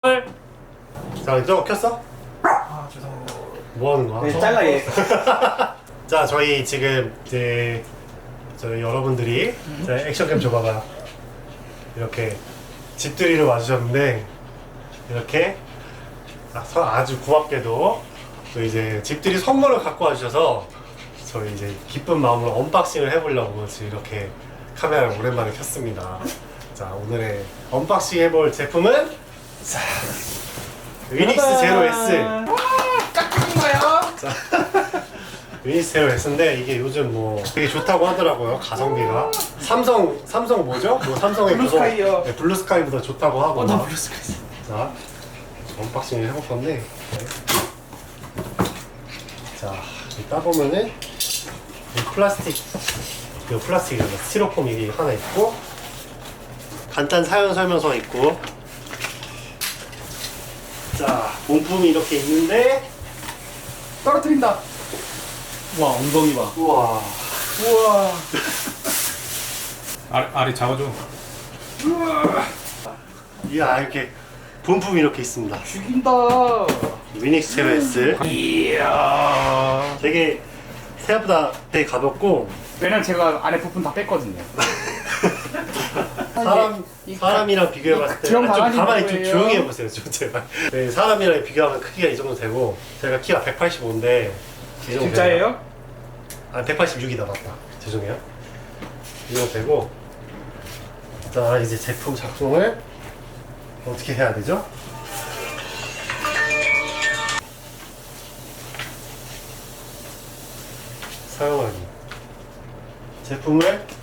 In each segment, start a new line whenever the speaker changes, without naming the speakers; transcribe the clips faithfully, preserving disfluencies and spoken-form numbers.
자, 저거 켰어?
아 죄송합니다.
뭐 하는 거야?
네, 잘라 얘.
자, 저희 지금 이제 저희 여러분들이 자, 액션캠 줘봐봐. 이렇게 집들이를 와주셨는데 이렇게 아, 서- 아주 고맙게도 또 이제 집들이 선물을 갖고 와주셔서 저희 이제 기쁜 마음으로 언박싱을 해보려고 지금 이렇게 카메라를 오랜만에 켰습니다. 자, 오늘의 언박싱 해볼 제품은 자, 위닉스 제로 S.
깍두기인가요?
위닉스 제로 S인데 이게 요즘 뭐 되게 좋다고 하더라고요. 가성비가 삼성 삼성 뭐죠? 뭐 삼성의
블루스카이요.
그거- 네, 블루스카이보다 좋다고 하고.
어, 나
막.
블루스카이.
자, 언박싱을 해볼 건데. 네. 자, 이 따보면은 이 플라스틱, 이 플라스틱이 스티로폼 이게 하나 있고 간단 사용 설명서 있고. 자, 본품이 이렇게 있는데.
떨어뜨린다. 와 엉덩이 봐.
우와.
우와.
아래, 아래 잡아줘.
이야, 이렇게 본품이 이렇게 있습니다.
죽인다.
위닉스 제로 S.
이야.
되게 생각보다 되게 가볍고
왜냐면 제가 안에 부품 다 뺐거든요.
사람
이-
사람이랑 비교해봤을 때
드럼
아, 좀
강아지
가만히 좀
누구예요?
조용히 해보세요, 좀 제발. 네, 사람이랑 비교하면 크기가 이 정도 되고 제가 키가 백팔십오인데 이 정도
진짜예요?
돼요. 아, 백팔십육이다 맞다. 죄송해요. 이 정도 되고 자, 이제 제품 작동을 어떻게 해야 되죠? 사용하기. 제품을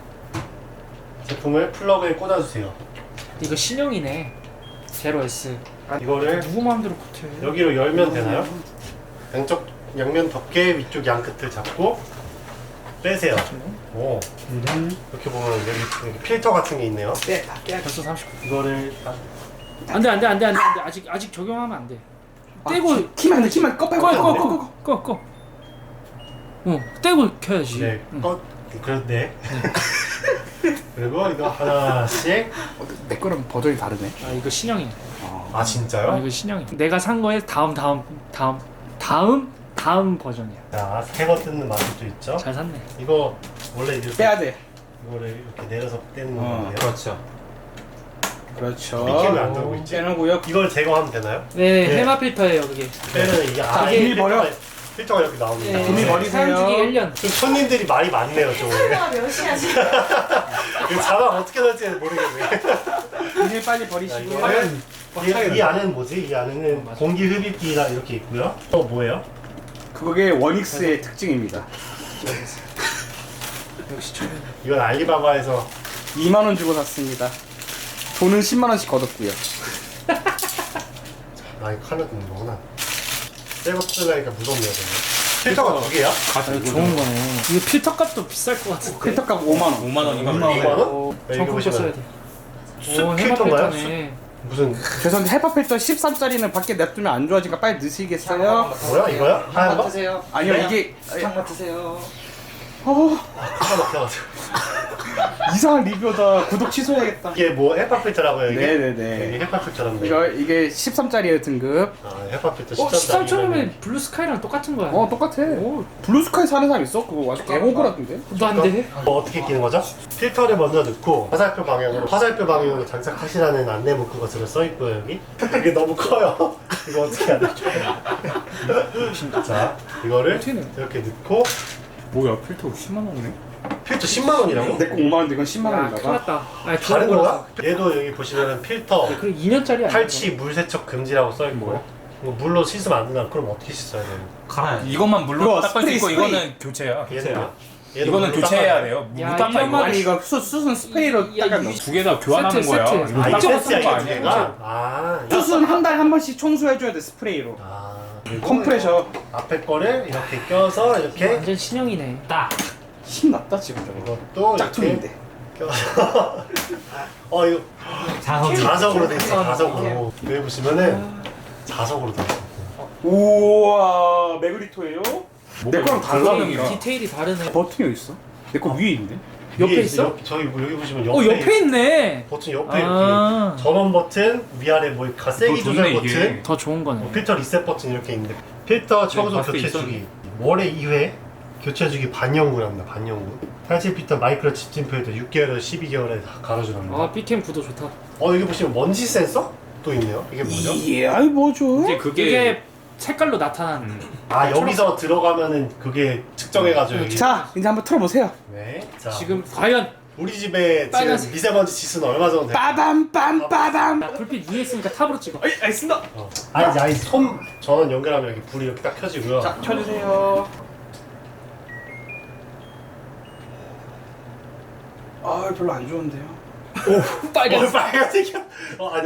제품을 플러그에 꽂아주세요.
이거 신형이네. 제로 S.
이거를
누구 마음대로 컷해?
여기로 열면 되나요? 양쪽 양면 덮개 위쪽 양 끝을 잡고 빼세요. 오, 이렇게 보면 여기, 여기 필터 같은 게 있네요.
빼, 다 빼.
벌써 삼십.
이거를 딱
안돼 안돼 안돼 안돼 안돼 아직 아직 적용하면 안 돼. 떼고
키만 안 돼, 키만 꺼, 빼고.
꺼
꺼,
꺼
꺼,
꺼
꺼.
꺼 꺼. 어 떼고 켜야지.
네,
응.
꺼 그런데 그리고 이거 하나씩.
어, 내 거랑 버전이 다르네.
아 이거 신형이야.
아,
아
진짜요?
이거 신형이야. 내가 산 거에 다음 다음 다음 다음 다음 버전이야.
자, 새거 뜯는 맛도 있죠.
잘 샀네.
이거 원래 이렇게
빼야 돼.
이거를 이렇게 내려서 떼는
어,
건데요.
그렇죠.
그렇죠.
미끼를 안 들고 있지?
빼놓고요.
이걸 제거하면 되나요?
네,
네.
헤마 필터예요 그게.
빼면 이게
자,
아예
비밀 버려.
필터가, 필터가 이렇게 나옵니다.
네,
비밀 버리세요.
사용주기 일 년.
좀 손님들이 말이 많네요, 좀.
가 몇이야 지금?
이거 자막 어떻게 넣을지 모르겠네.
비닐 빨리
자,
버리시고.
이거는 이, 이 안에는 뭐지? 이 안에는 공기 흡입기가 이렇게 있고요. 또 뭐예요?
그게 원익스의 특징입니다.
역시 초면.
이건 알리바바에서
이만 원 주고 샀습니다. 돈은 십만 원씩 걷었고요.
아, 이거 칼로 뜯는 거구나. 새거 뜯으니까 무섭네요, 정말. 필터가 두 개야?
아 이거 좋은 거네. 이거 필터 값도 비쌀 것 같은데.
필터값 오만 원.
오만 원이면
이만 원?
어,
네, 이거
정품 거 써야
보시면
돼.
숲
오 헤마
필터인가요?
필터네.
무슨
죄송한데 헤파 필터 십삼짜리는 밖에 냅두면 안 좋아지니까 빨리 넣으시겠어요?
뭐야, 이거야? 하얀 거?
드세요.
아니요
네?
이게
사탕 드세요.
어,
하나 막혀가지고.
이상한 리뷰다. 구독 취소해야겠다.
이게 뭐 헤파 필터라고요, 이게?
네네네.
이게 헤파 필터랍니다.
이거 이게 십삼짜리예요 등급.
아, 헤파 필터
어
십삼
십삼
짜리면은
천원이면 블루스카이랑 똑같은 거야.
어 똑같아.
오,
블루스카이 사는 사람 있어? 그거 아주 개호구라던데.
그거 안 돼.
뭐 어떻게 끼는 거죠? 필터를 먼저 넣고 화살표 방향으로 화살표 방향으로 장착하시라는 안내 문구가 들어 써 있고요, 여기. 이게 너무 커요. 이거 어떻게 해야 되죠? 자, 이거를
어떻게 넣어?
이렇게 넣고
뭐야, 필터 십만 원이네?
필터 십만 원이라고?
내 거 오만 원인데 이건 십만
야 큰일
원이다가.
났다. 아니
다른
좋은
거야? 얘도 여기 보시면은 필터
그리고 이 년짜리 아니야?
탈취 물 세척 금지라고 써 있고 이거 물로 씻으면 안 된다. 그럼 어떻게 씻어야 돼요?
갈아야 이것만 물로
그거
닦을 수
스프레이,
있고
스프레이.
이거는 교체야.
얘는요? 얘도
이거는
물로
교체해야
닦아야
돼요. 물
야,
닦아
이런
이거.
말-
아니 이거 수, 수순 스프레이로
야,
닦아.
이-
두 개 다 교환하는
세트,
거야.
세트.
이거
아, 이
닦아서
세트야,
쓰는 거
이게 두
아니야.
개가? 아,
수순 한 달 한 번씩 청소해줘야 돼 스프레이로.
아, 그리고
컴프레셔.
앞에 거를 이렇게 껴서 이렇게
완전 신형이네. 딱.
신났다 지금 저거.
이것도 이렇게
짝퉁인데.
껴서 어 이거 자석으로 돼 있어. 자석으로 여기 보시면은 자석으로 돼 있어.
우와 메그리토예요? 내 거랑 달라.
형이랑.
디테일이 다르네.
버튼이 어디 있어? 내 거 위에 있는데?
옆에
위에
있어?
옆, 저기 뭐 여기 보시면 옆에,
어 옆에 있네.
버튼 옆에
아.
이렇게 전원 버튼 위아래 뭐 가세기
더
조절
좋네,
버튼
이게.
더 좋은 거네.
뭐 필터 리셋 버튼 이렇게 있는데 필터 청소
봤을 때
교체
있었네.
주기 월에 이 회 교체 주기 반영구랍니다. 반영구 팔십 필터 마이크로 집진표에도 육 개월에서 십이 개월에 다 갈아주랍니다.
아 B캠 구도 좋다.
어 여기 보시면 먼지 센서 또 있네요. 이게 뭐죠?
예, 아이 뭐죠?
이제 그게
이게 색깔로 나타나는.
음.
아 여기서 들어가면은 그게 측정해가지고 여기
자, 이제 한번 틀어보세요.
네. 자
지금 과연
우리 집에
빨간색.
지금 미세먼지 지수는 얼마 정도 돼요?
빠밤 빰 빠밤.
나 불빛 위에 있으니까 탑으로 찍어.
아이 알겠습니다.
어. 아니 이제 아니 손 전원 연결하면 여기 불이 이렇게 딱 켜지고요.
자, 켜주세요. 아, 별로 안 좋은데요.
빨간.
어, 빨간색이야. 어 아니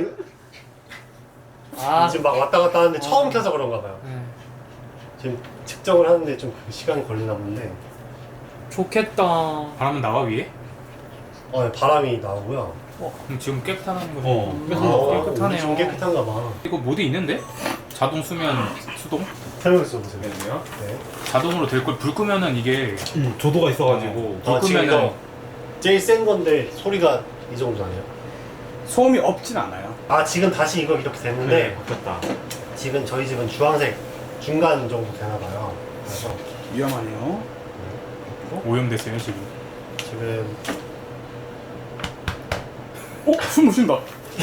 아.
지금 막 왔다 갔다 하는데 처음 켜서 그런가 봐요.
네.
지금 측정을 하는데 좀 시간이 걸리나 본데
좋겠다.
바람은 나와 위에?
어, 네, 바람이 나오고요.
그럼 지금 깨끗하다는 거죠?
어,
음, 깨끗하네요.
우리 좀 깨끗한가 봐.
이거 모드 있는데? 자동 수면 수동?
설명 써보세요.
네.
네.
자동으로 될 걸 불 끄면은 이게
조도가 있어가지고
아,
불
지금
끄면은
이거 제일 센 건데 소리가 이 정도 아니에요?
소음이 없진 않아요.
아 지금 다시 이거 이렇게 됐는데
네.
바뀌었다.
지금 저희 집은 주황색 중간 정도 되나 봐요. 그래서
위험하네요.
오염됐어요 지금.
지금
어, 숨 못 쉰다.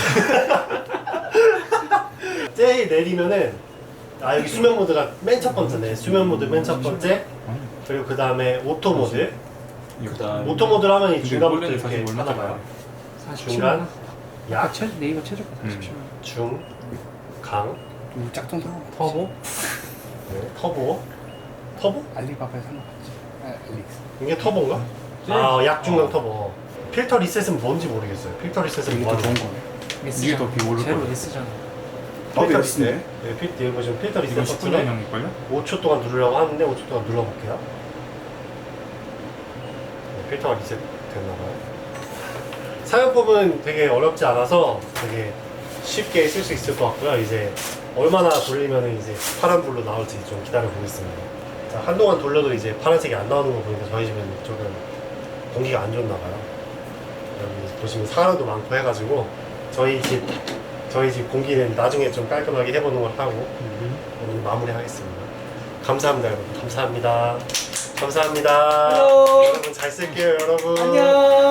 제일 내리면은 아 여기 수면 모드가 맨 첫 번째네. 수면 모드 맨 첫 번째. 그리고 그 다음에 오토 모드.
일단
오토 모드를 하면 이
근데
중간부터
원래는
이렇게
사실
하나 봐요.
사십칠만
중간,
아,
약,
최, 네이버 최저가 사십칠만
중, 강,
우 짝퉁 상관.
터보, 네, 터보, 터보?
알리바바에 상관없지. 아, 알릭스.
이게 터보인가? 아, 약중강 터보. 필터 리셋은 뭔지 모르겠어요. 필터 리셋은
이게
뭐
더
하는
좋은
거예요?
거네.
이게 더 비오를
제로
거예요.
S잖아.
어,
필터
S네.
리셋. 네, 필, 여기 보시면 필터 리셋
이건 십구
버튼을
년형일걸요?
오 초 동안 누르려고 하는데 오 초 동안 눌러볼게요. 네, 필터가 리셋 됐나봐요. 사용법은 되게 어렵지 않아서 되게 쉽게 쓸 수 있을 것 같고요. 이제 얼마나 돌리면 이제 파란불로 나올지 좀 기다려 보겠습니다. 자, 한동안 돌려도 이제 파란색이 안 나오는 거 보니까 저희 집은 조금 공기가 안 좋나 봐요. 여기 보시면 사과도 많고 해가지고 저희 집 저희 집 공기는 나중에 좀 깔끔하게 해보는 걸 하고 오늘 마무리하겠습니다. 감사합니다, 여러분. 감사합니다. 감사합니다.
안녕.
여러분 잘 쓸게요, 여러분.
안녕.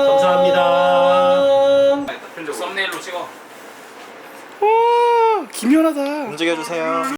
감사합니다.
썸네일로 찍어.
와, 기묘하다.
움직여주세요.